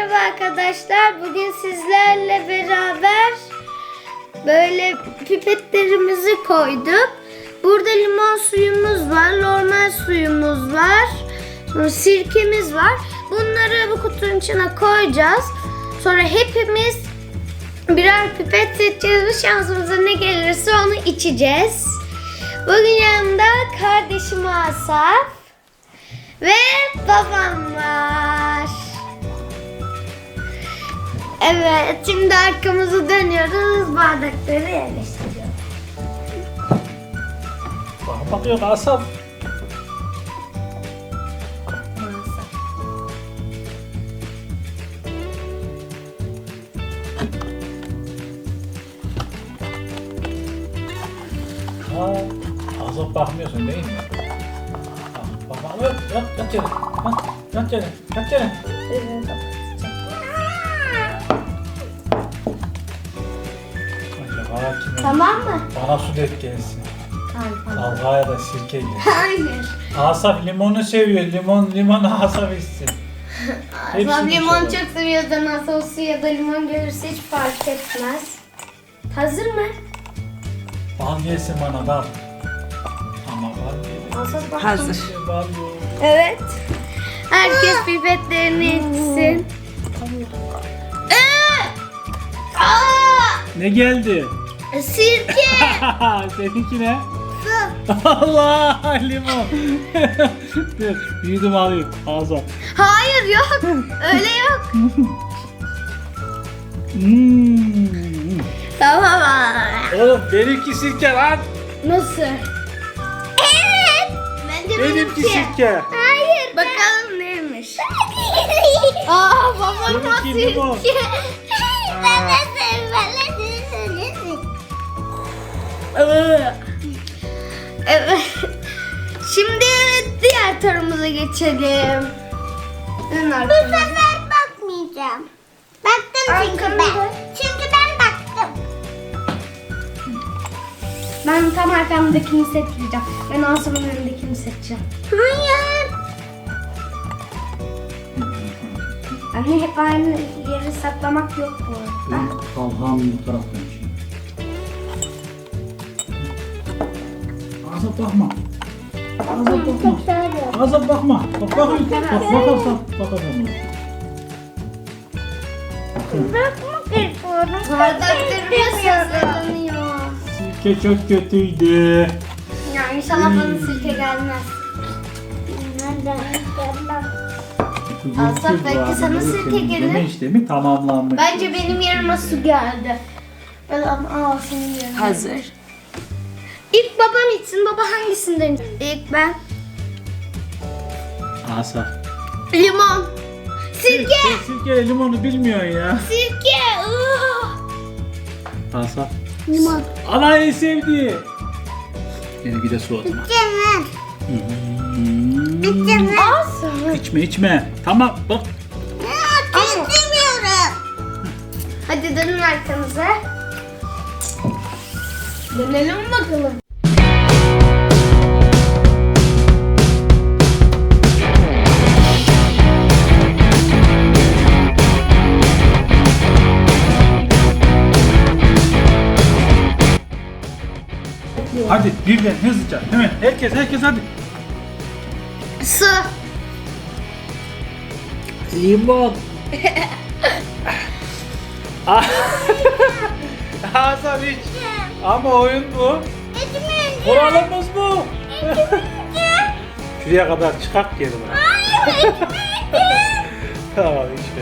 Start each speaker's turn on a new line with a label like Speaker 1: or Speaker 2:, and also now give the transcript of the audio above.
Speaker 1: Merhaba arkadaşlar. Bugün sizlerle beraber böyle pipetlerimizi koyduk. Burada limon suyumuz var, normal suyumuz var, sonra sirkemiz var. Bunları bu kutunun içine koyacağız. Sonra hepimiz birer pipet seçeceğiz ve şansımıza ne gelirse onu içeceğiz. Bugün yanımda kardeşim Asaf ve babam var. Evet, şimdi arkamızı dönüyoruz, bardakları yerleştiriyoruz.
Speaker 2: Bakıyor Asaf. Asaf bakmıyorsun değil mi? Bak, yat yere. Yat yere. Acaba kime?
Speaker 1: Tamam mı?
Speaker 2: Bana su dök gelsin.
Speaker 1: Hayır.
Speaker 2: Talha'ya da sirke gelsin.
Speaker 1: Hayır.
Speaker 2: Asaf limonu seviyor. Limon Asaf içsin.
Speaker 1: Asaf limon
Speaker 2: inşallah.
Speaker 1: çok seviyor. Nasıl su ya da limon gelirse hiç fark etmez. Hazır mı?
Speaker 2: Bal gelsin bana bal. Ama bal gelsin.
Speaker 1: Asaf bak.
Speaker 3: Hazır.
Speaker 2: Bal yok.
Speaker 1: Evet. Herkes pipetlerini içsin.
Speaker 2: Ne geldi?
Speaker 1: Sirke.
Speaker 2: Seninki ne? Allah limon. Dur, büyüdüm alayım. Ağza.
Speaker 1: Hayır yok. Öyle yok. Tamam.
Speaker 2: Oğlum benimki sirke lan.
Speaker 1: Nasıl? Evet. Bence
Speaker 2: Benimki sirke.
Speaker 1: Hayır. Bakalım neymiş. Babama
Speaker 2: Benimki limon.
Speaker 1: sirke.
Speaker 2: Ben de
Speaker 1: Evet. Şimdi diğer turumuza geçelim.
Speaker 4: Bu sefer bakmayacağım. Baktım çünkü ben. Çünkü ben baktım.
Speaker 1: Ben tam arkamdakini seçeceğim. Ben Asım'ın önündekini seçeceğim.
Speaker 4: Hayır.
Speaker 1: Anne hep aynı yeri saklamak yok bu arada.
Speaker 2: Talha'nın bu taraftan şimdi. Azap bakma. Azap bakma. Azap bakma. Bak bakayım. Bakalım.
Speaker 4: Bakmak istiyorum.
Speaker 1: Bardaklarımız hazırlanıyor.
Speaker 2: Sirke çok kötüydü.
Speaker 1: Ya inşallah bana sirke gelmez. Asaf, belki sana sirke gelir.
Speaker 2: Yeme işlemi tamamlanmış.
Speaker 1: Bence benim yerime su geldi. Senin yerine.
Speaker 3: Hazır.
Speaker 1: İlk babam içsin. Baba hangisinden? İlk ben.
Speaker 2: Asaf.
Speaker 1: Limon. Sirke.
Speaker 2: Sirke limonu bilmiyorsun ya.
Speaker 1: Sirke.
Speaker 2: Asaf.
Speaker 1: Limon.
Speaker 2: Ana en sevdiği. Yine bir de su atma.
Speaker 4: Canım.
Speaker 1: Asaf.
Speaker 2: İçme. Tamam bak.
Speaker 4: İstemiyorum.
Speaker 1: Hadi dönün arkanıza. Dönelim bakalım.
Speaker 2: Hadi birden hızlıca. Hemen herkes hadi.
Speaker 1: Su.
Speaker 2: Limon. Asaf iç. Ama oyun bu. Kuralımız bu. Şuraya kadar çıkart geri bana. Tamam iç.